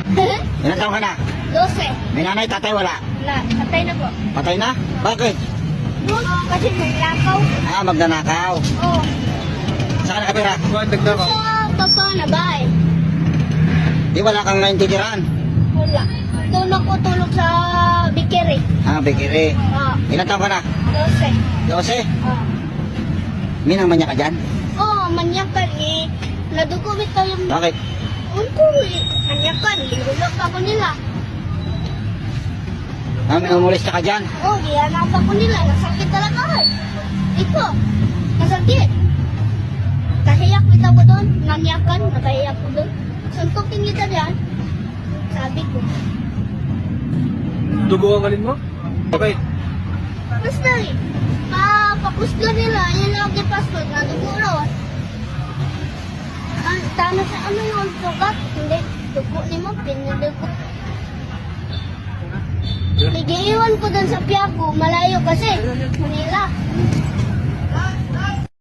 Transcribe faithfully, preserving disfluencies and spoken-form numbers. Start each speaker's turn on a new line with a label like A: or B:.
A: Ilan taon ka na?
B: Dose.
A: May nanay, tatay, wala.
B: Wala. Patay na po.
A: Patay na? Bakit?
B: Kasi naglakaw.
A: Ah, magnanakaw.
B: Oo.
A: Saan ka nakatira?
B: Sa baba na bahay.
A: Di wala kang naintindiran.
B: Wala. Doon ako tulog sa bikiri.
A: Ah, bikiri.
B: Oo.
A: Ilan taon ka na?
B: Dose.
A: Dose?
B: Oo.
A: Minang manya ka dyan?
B: Oo, manyakan eh. Nadugumit ko yung...
A: Bakit?
B: Unko eh. Manyakan. Lingulok ako nila.
A: Ah, minumulis ka ka dyan?
B: Oo, gihanap ako nila. Nasakit talaga eh. Ito. Nasakit. Kahiyak kita ko doon. Nanyakan. Nakahiyak ko doon. Suntukin kita dyan. Sabi ko.
C: Dugo ang alin mo? Okay.
B: Basta eh. Ah, pakusga nila. Yan lagi pasko. Nadugo raw. Ah, tama sa ano yung sugat. Hindi. Dugo ni mo. Pinadugo. Igiiwan ko doon sa Piaco. Malayo kasi. Manila.